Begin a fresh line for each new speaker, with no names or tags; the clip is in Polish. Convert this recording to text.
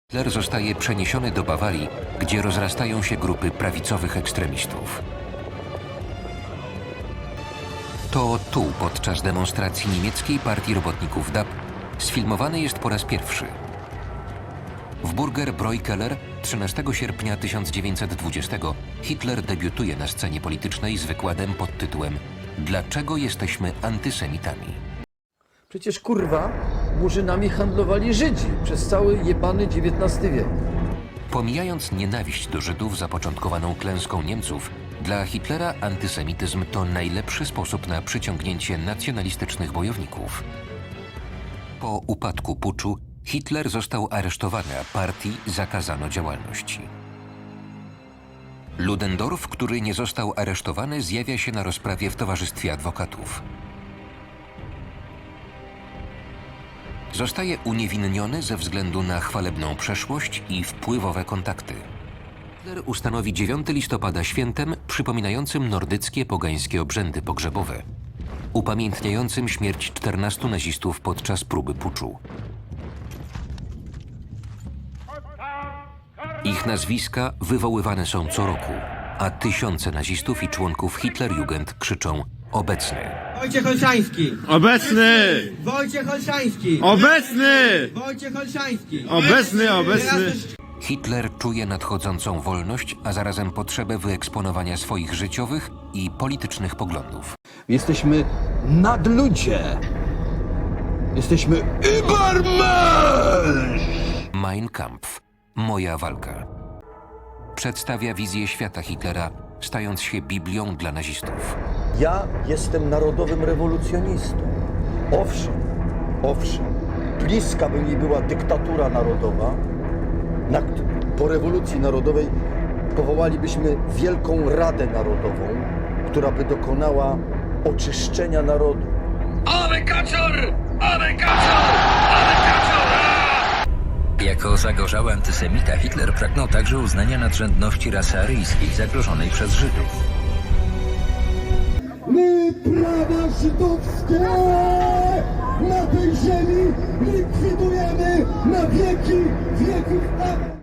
Hitler zostaje przeniesiony do Bawarii, gdzie rozrastają się grupy prawicowych ekstremistów. To tu, podczas demonstracji niemieckiej partii robotników DAP, sfilmowany jest po raz pierwszy. W Burger Bräukeller 13 sierpnia 1920 Hitler debiutuje na scenie politycznej z wykładem pod tytułem „Dlaczego jesteśmy antysemitami?”
Przecież kurwa murzynami handlowali Żydzi przez cały jebany XIX wiek.
Pomijając nienawiść do Żydów zapoczątkowaną klęską Niemców, dla Hitlera antysemityzm to najlepszy sposób na przyciągnięcie nacjonalistycznych bojowników. Po upadku puczu Hitler został aresztowany, a partii zakazano działalności. Ludendorff, który nie został aresztowany, zjawia się na rozprawie w towarzystwie adwokatów. Zostaje uniewinniony ze względu na chwalebną przeszłość i wpływowe kontakty. Hitler ustanowi 9 listopada świętem przypominającym nordyckie pogańskie obrzędy pogrzebowe, upamiętniającym śmierć 14 nazistów podczas próby puczu. Ich nazwiska wywoływane są co roku, a tysiące nazistów i członków Hitlerjugend krzyczą „Obecny”.
Wojciech Olszański!
Obecny!
Wojciech Olszański!
Obecny!
Wojciech Olszański!
Obecny, obecny!
Hitler czuje nadchodzącą wolność, a zarazem potrzebę wyeksponowania swoich życiowych i politycznych poglądów.
Jesteśmy nadludzie. Jesteśmy Übermensch!
Mein Kampf. Moja walka. Przedstawia wizję świata Hitlera, stając się Biblią dla nazistów.
Ja jestem narodowym rewolucjonistą. Owszem, bliska by mi była dyktatura narodowa. Po rewolucji narodowej powołalibyśmy Wielką Radę Narodową, która by dokonała oczyszczenia narodu.
Ale kaczor! Ale kaczor! Ale kaczor! Jako zagorzały antysemita Hitler pragnął także uznania nadrzędności rasy aryjskiej zagrożonej przez Żydów.
My, prawa żydowskie, na tej ziemi likwidujemy na wieki wieków. Amen.